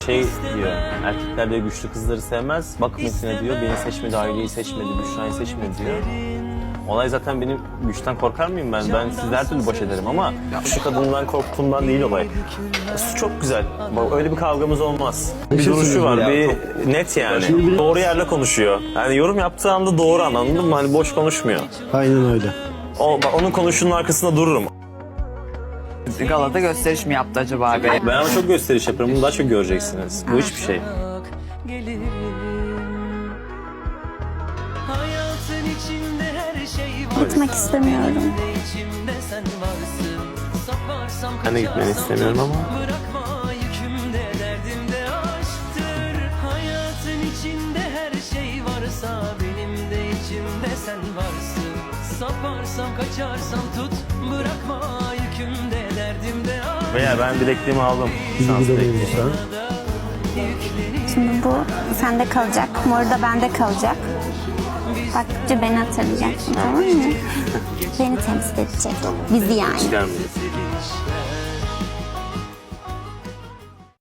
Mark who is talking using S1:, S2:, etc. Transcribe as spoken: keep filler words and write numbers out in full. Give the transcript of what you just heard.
S1: Şey diyor, erkekler diyor güçlü kızları sevmez, bak Metin'e diyor, beni seçmedi, aileyi seçmedi, Büşra'yı seçmedi diyor. Olay zaten benim güçten korkar mıyım ben? Ben sizle her türlü baş ederim ama şu kadından korktuğumdan değil olay. Su çok güzel. Bak öyle bir kavgamız olmaz. Bir duruşu var, bir net yani. Doğru yerle konuşuyor. Yani yorum yaptığı anda doğru anladın mı? Hani boş konuşmuyor.
S2: Aynen öyle.
S1: O, bak, onun konuşunun arkasında dururum.
S3: Galata gösteriş mi yaptı acaba be?
S1: Ben ama çok gösteriş yaparım. Bunu daha çok göreceksiniz. Bu hiçbir şey.
S4: Gitmek istemiyorum.
S1: Ben de gitmeni istemiyorum ama.
S5: Saparsam kaçarsam tut, bırakma yükümde derdimde aşk.
S1: Veya ben bilekliğimi aldım.
S2: Bizi
S1: Şans
S2: gidelim
S1: bekliyorum.
S2: sen.
S4: Şimdi bu sende kalacak. Moru da bende kalacak. Baktıkça beni hatırlayacaksın, tamam mı? Beni temsil edecek. Bizi yani.
S1: Çıkar mıyız?